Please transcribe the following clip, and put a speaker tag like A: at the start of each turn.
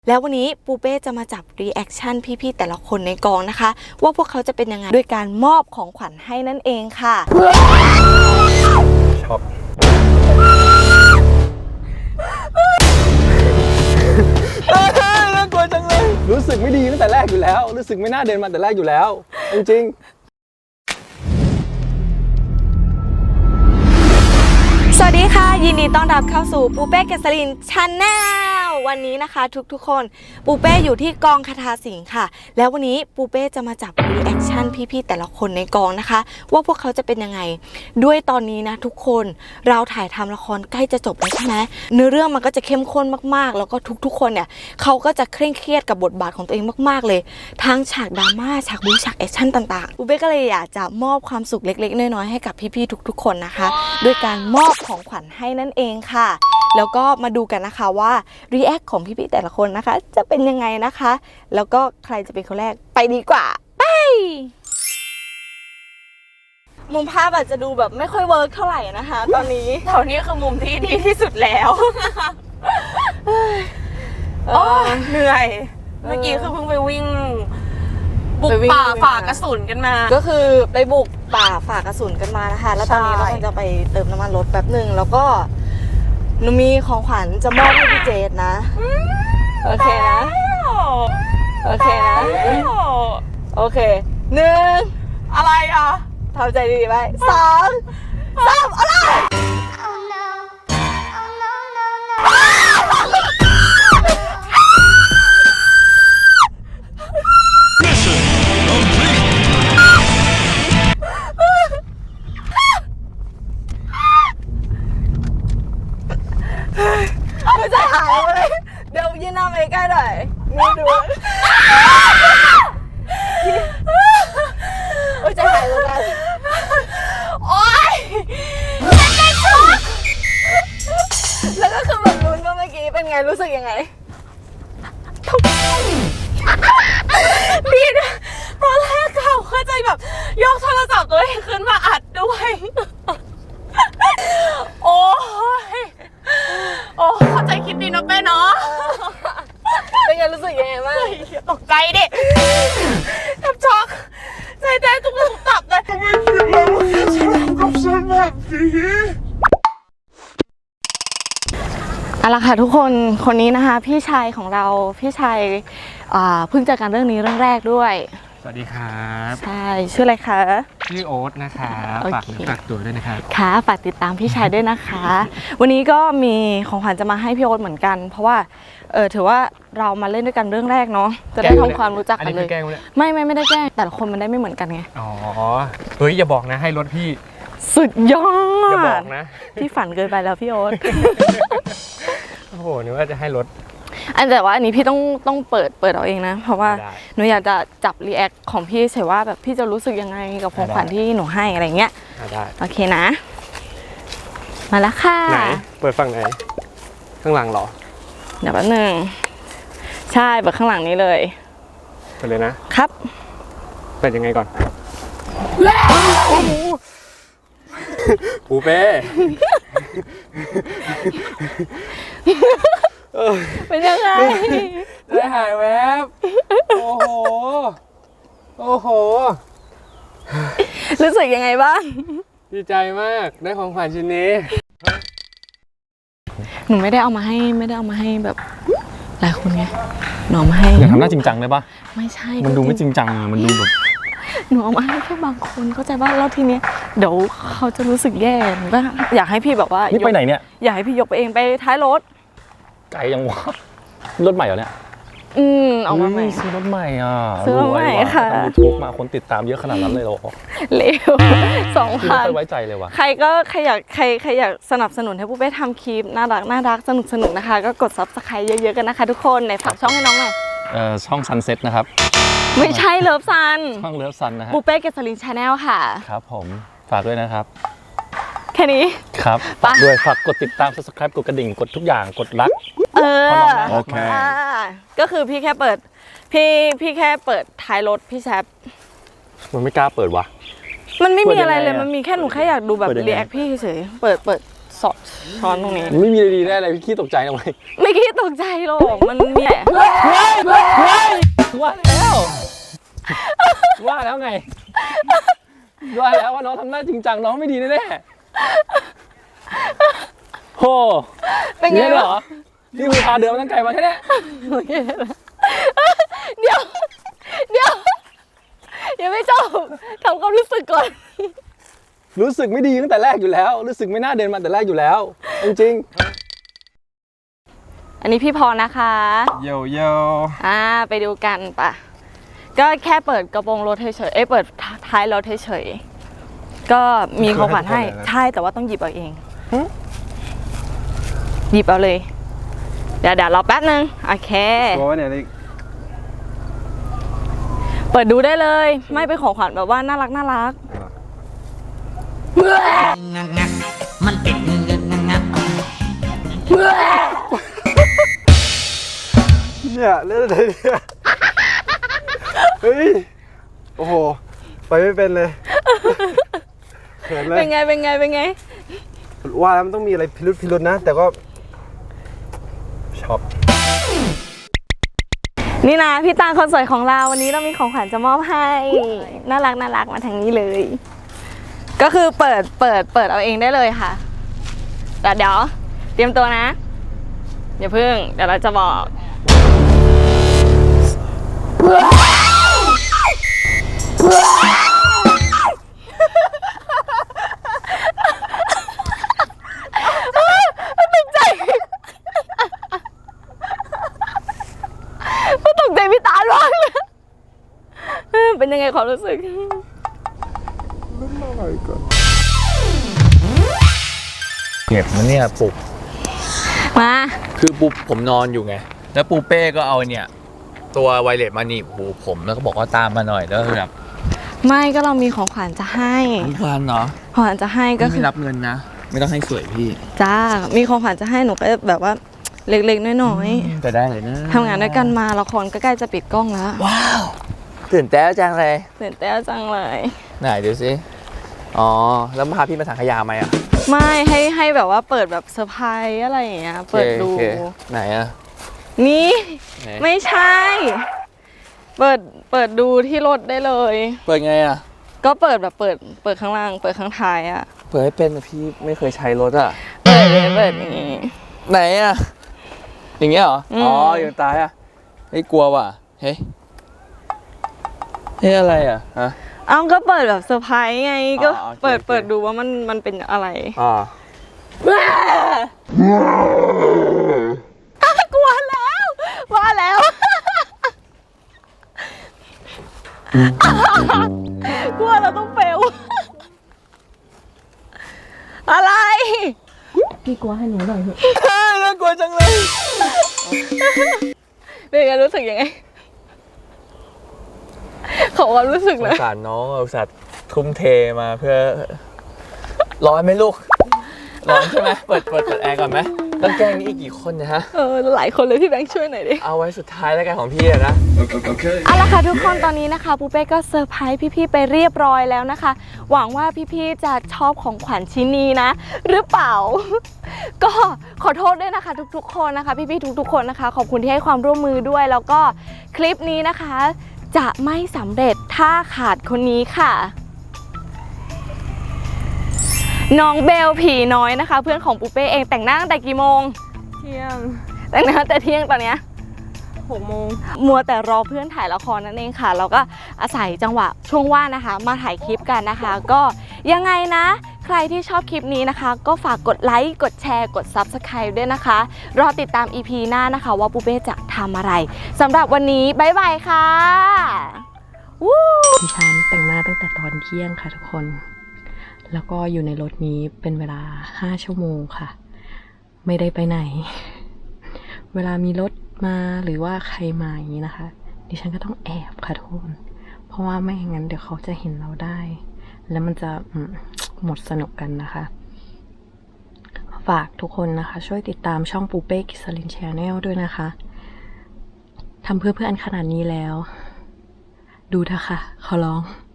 A: แล้ววันนี้ปูเป้จะมาจับรีแอคชั่นพี่ๆแต่ละคนในกองนะคะว่าพวกเขาจะเป็นยังไงด้วยการมอบของขวัญให้นั่นเองค่ะ
B: ช็อกน่ากลัวจังเลยรู้สึกไม่ดีตั้งแต่แรกอยู่แล้วรู้สึกไม่น่าเดินมาแต่แรกอยู่แล้วจริง
A: สวัสดีค่ะยินดีต้อนรับเข้าสู่ปูเป้เกษรินชาแนลวันนี้นะคะทุกคนปูเป้อยู่ที่กองคทาสิงห์ค่ะแล้ววันนี้ปูเป้จะมาจับรีแอคชั่นพี่ๆแต่ละคนในกองนะคะว่าพวกเขาจะเป็นยังไงด้วยตอนนี้นะทุกคนเราถ่ายทำละครใกล้จะจบแล้วใช่ไหมเนื้อเรื่องมันก็จะเข้มข้นมากๆแล้วก็ทุกคนเนี่ยเขาก็จะเคร่งเครียดกับบทบาทของตัวเองมากๆเลยทั้งฉากดราม่าฉากบู๊ฉากแอคชั่นต่างๆปูเป้ก็เลยอยากจะมอบความสุขเล็กๆน้อยๆให้กับพี่ๆทุกๆคนนะคะด้วยการมอบของขวัญให้นั่นเองค่ะแล้วก็มาดูกันนะคะว่ารีแอคของพี่ๆแต่ละคนนะคะจะเป็นยังไงนะคะแล้วก็ใครจะเป็นคนแรกไปดีกว่าไปมุมภาพอาจจะดูแบบไม่ค่อยเวิร์กเท่าไหร่นะคะตอนนี้แถวนี้คือมุมที่ดีที่สุดแล้ว
C: เหนื่อยเมื่อกี้คือเพิ่งไปวิ่งบุกป่าฝ่ากระสุนกันมา
A: ก็คือไปบุกป่าฝ่ากระสุนกันมานะคะแล้วตอนนี้เราจะไปเติมน้ำมันรถแป๊บหนึ่งแล้วก็หนูมีของขวัญจะมอบให้พี่เจดนะโอเคนะโอเคนะโอเคหนึ่ง
C: อะไรอ่ะ
A: ทำใจดีๆไว้สองสามอะไรไม่ใช่หายเลยเดี๋ยวยืนหน้าไปใกล้หน่อยนี่ดูโอ้ยจะหายเลยกัน
C: โอ๊ย
A: แล้วก็คือแบบลุ้นว่าเมื่อกี้เป็นไงรู้สึกยังไง
C: พี่ตอนแรกเขาเข้าใจแบบยกโทรศัพท์ตัวเองขึ้นมาอัดด้วยโอ้เข้าใจคิดดีนะเป้เนาะ
A: เป็นไงรู้สึกยังไงบ้าง
C: ตกใจดิแทบช็อกใจเต้นตุ้มตับเลยทำไมคิดแล้วกับฉันแบบนี้
A: เอาล่ะค่ะทุกคนคนนี้นะคะพี่ชายของเราพี่ชายเพิ่งเจอกันเรื่องนี้เรื่องแรกด้วย
B: สวัสดีครับ
A: ใช่ชื่ออะไรคะ
B: ชื่อโอ๊ตนะคะฝากตัวด้วยนะครับ
A: ค่ะฝากติดตามพี่ชายด้วยนะคะวันนี้ก็มีของขวัญจะมาให้พี่โอ๊ตเหมือนกันเพราะว่าถือว่าเรามาเล่นด้วยกันเรื่องแรกเนาะจะได้ทำความรู้จักกันเลยไม่ได้แกล้งแต่ละคนมันได้ไม่เหมือนกันไง
B: อ๋อเฮ้ยอย่าบอกนะให้รถพี่
A: สุดยอด
B: อย่าบอกนะ
A: พี่ฝันเกินไปแล้วพี่โอ๊ต
B: โอ้โหนึกว่าจะให้รถ
A: แต่ว่าอันนี้พี่ต้องเปิดเอาเองนะเพราะว่าหนูอยากจะจับรีแอคของพี่เฉยว่าแบบพี่จะรู้สึกยังไงกับของขวัญที่หนูให้อะไรเงี้ย
B: ได้
A: โอเคนะมาแล้วค่ะ
B: ไหนเปิดฝั่งไหนข้างหลังเหรอ
A: เดี๋ยวแป๊บนึงใช่เปิดข้างหลังนี้เลย
B: เปิดเลย
A: นะครับ
B: เปิดยังไงก่อนปูเป้
A: เป็นยังไง
B: ได้หายแวบโอ้โห
A: รู้สึกยังไงบ้าง
B: ดีใจมากได้ของขวัญชิ้นนี้
A: หนูไม่ได้เอามาให้แบบหลายคนไงหนูมาให้
B: อย่าทำหน้าจริงจังเลยป่ะ
A: ไม่ใช่
B: มันดูไม่จริงจังมันดูแบบ
A: หนูเอามาให้แค่บางคนเข้าใจป่ะแล้วทีนี้เดี๋ยวเขาจะรู้สึกแย่หนูก็อยากให้พี่แบบว่า
B: นี่ไปไหนเนี่ย
A: อยากให้พี่ยกไปเองไปท้ายรถ
B: ไกลยังวะรถใหม่เหรอเนี่ย
A: ออกมาใหม่
B: ซื้อรถใหม่อ่ะ
A: ซื้อรถใหม่ค่ะ
B: ทำยูทูบมาคนติดตามเยอะขนาดนั้นเลยหรอ
A: เร็ว2,000
B: ไม่ไว้ใจเลยว่ะ
A: ใครอยากสนับสนุนให้ผู้เป้ทำคลิปน่ารักสนุกนะคะก็กด Subscribe เยอะๆกันนะคะทุกคนในฝากช่องให้น้องหน่อย
B: ช่อง Sunset นะครับ
A: ไม่ใช่เลิฟซัน
B: ช่องเลิฟซันนะฮะ
A: ปูเป้เกษรินชาแนลค่ะ
B: ครับผมฝากด้วยนะครับ
A: แค่นี้
B: ครับฝากด้วยฝากกดติดตาม Subscribe กดกระดิ่งกดทุกอย่างกดรัก
A: โอเคก็คือพี่แค่เปิดพี่แค่เปิดท้ายรถพี่แซบ
B: มันไม่กล้าเปิดวะ
A: มันไม่มีอะไรเลยมันมีแค่หนูแค่อยากดูแบบรีแอคพี่เฉยเปิดสอดช้อนตรงนี้
B: ไม่มีอะไรดีแน่เลยพี่ขี้ตกใจทำไม
A: ไม่คิดตกใจหรอกมันมีแต่
B: ว่าแล้วว่าแล้วไงว่าแล้วว่าน้องทำหน้าจริงจังน้องไม่ดีแน่ๆโห
A: เป็นไง
B: เนี่ยเหร
A: วะ
B: อนี่คือพาเดินมาตั้งไกลมาแค่เนี้ย
A: เดี๋ยวยังไม่จบทำความรู้สึกก่อน
B: รู้สึกไม่ดีตั้งแต่แรกอยู่แล้ว รู้สึกไม่น่าเดินมาแต่แรกอยู่แล้ว จริง
A: อันนี้พี่พรนะคะ
B: ๆโย
A: ไปดูกันปะก็แค่เปิดกระโปรงรถเฉยๆเปิดท้ายรถเฉยๆก็มีของขวัญให้ใช่แต่ว่าต้องหยิบเอาเองหยิบเอาเลยเดี๋ยวรอแป๊บนึงโอเค
B: ตัวเนี่ย
A: เปิดดูได้เลยไม่เป็นของขวัญแบบว่าน่ารัก
D: มันติดงัก
E: เนี่ยเล่นอะไรเนี่ยเฮ้ยโอ้โหไปไม่เป็นเลยเขินเลย
A: เป็นไง
E: ว่าแล้วมันต้องมีอะไรพิรุษนะ แต่ก็ชอบ
A: นี่นะพี่ตาลคนสวยของเราวันนี้เรามีของขวัญจะมอบให้น่ารักมาทางนี้เลย ก็คือเปิดเอาเองได้เลยค่ะแต่เดี๋ยวเตรียมตัวนะอย่าพึ่งเดี๋ยวเราจะบอกตกใจพี่ตาลมากเลยเป็นยังไงความรู้สึก
F: เก็บมันเนี่ยปลุก
A: มา
F: คือปุ๊บผมนอนอยู่ไง แล้วปูเป้ก็เอาเนี่ย ตัวไวเลสมาหนีบหูผมแล้วก็บอกว่าตามมาหน่อยแล้วแบบ
A: ไม่ก็เรามีของขวัญจะให้
F: ทุกวันเนาะ
A: ของขวัญจะให้ก็คื
F: ไม่
A: อ
F: รับเงินนะ ไม่ต้องให้สวยพี่
A: จ้ามีของขวัญจะให้หนูก็แบบว่าเล็กๆน้อย
F: แต่ได้เลยนะ
A: ๆทำงานด้วยกันมาละครก็ใกล้จะปิดกล้องแล้ว
F: ว้าวตื่นเต้นจังเลย
A: ตื่นเต้นจังเลย
F: ไหนดูสิอ๋อแล้วพาพี่มาถังขยะไหมอ่ะ
A: ไม่ให้แบบว่าเปิดแบบเซอร์ไพรส์อะไรอย่างเงี้ยเปิดดู
F: โอเคไหนอ่ะ
A: นี่
F: ไหน
A: ไม่ใช่ เปิดดูที่รถได้เลย
F: เปิดไงอ่ะ
A: ก็เปิดแบบเปิดข้างล่างเปิดข้างท้ายอะ
F: เปิดให้เป็นนะพี่ไม่เคยใช้รถอ่ะ
A: เปิดเลยเปิดอย่างงี้
F: ไหนอ่ะอย่างเงี้ยเหรอ
A: อืม
F: อ๋ออย่างตายอ่ะเฮ้ยกลัวว่ะเฮ้ยอะไรอ่ะฮะ
A: เอ้าก็เปิดแบบเซอร์ไพรส์ไงก็
F: อ๋อโอเค
A: เปิดดูว่ามันเป็นอะไร
F: อ๋อก
A: ลัวแล้วว่าแล้ว กลัวเราต้องเฟลอะไร
F: น่ากลัวจังเลย
A: เป็นไงรู้สึกยังไงขอความรู้สึก
F: ส
A: เล
F: ง
A: ย
F: สารน้องอุตส่าห์ทุ่มเทมาเพื่อร้อนไหมลูกร้อนใช่ไหมเปิดแอร์ก่อนไหมต้องแกล้งนี่อีกกี่คนเนะฮะ
A: หลายคนเลยพี่แบงค์ช่วยหน่อยดิ
F: เอาไว้สุดท้ายแล้วกันของพี่อะนะ
A: เอาละค่ะทุกคนตอนนี้นะคะปูเป้ก็เซอร์ไพรส์พี่ๆไปเรียบร้อยแล้วนะคะ หวังว่าพี่ๆจะชอบของขวัญชิ้นนี้นะ หรือเปล่า ก็ขอโทษด้วยนะคะทุกๆคนนะคะพี่ๆทุกๆคนนะคะ ขอบคุณที่ให้ความร่วมมือด้วย แล้วก็คลิปนี้นะคะ จะไม่สำเร็จถ้าขาดคนนี้ค่ะน้องเบลผีน้อยนะคะ เพื่อนของปูเป้เองแต่งหน้าตั้งแต่กี่โมงเที่ยงแต่งหน้าแต่เที่ยงตอนเนี้ย6 โมงมัวแต่รอเพื่อนถ่ายละครนั่นเองค่ะเราก็อาศัยจังหวะช่วงว่างนะคะ มาถ่ายคลิปกันนะคะ ก็ยังไงนะ ใครที่ชอบคลิปนี้นะคะ ก็ฝากกดไลค์กดแชร์กด Subscribe ด้วยนะคะรอติดตาม EP หน้านะคะ ว่าปูเป้จะทำอะไรสำหรับวันนี้บ๊ายบายค่ะวู้
G: ดิฉันแต่งหน้าตั้งแต่ตอนเที่ยงค่ะทุกคน แล้วก็อยู่ในรถนี้เป็นเวลา5 ชั่วโมงค่ะ ไม่ได้ไปไหน เวลามีรถมาหรือว่าใครมาอย่างนี้นะคะ ดิฉันก็ต้องแอบค่ะทุกคน เพราะว่าไม่อย่างนั้นเดี๋ยวเขาจะเห็นเราได้ แล้วมันจะหมดสนุกกันนะคะ ฝากทุกคนนะคะ ช่วยติดตามช่องปูเป้กิสลิน Channel ด้วยนะคะทำเพื่อเพื่อนขนาดนี้แล้ว ดูเถอะค่ะขอร้อง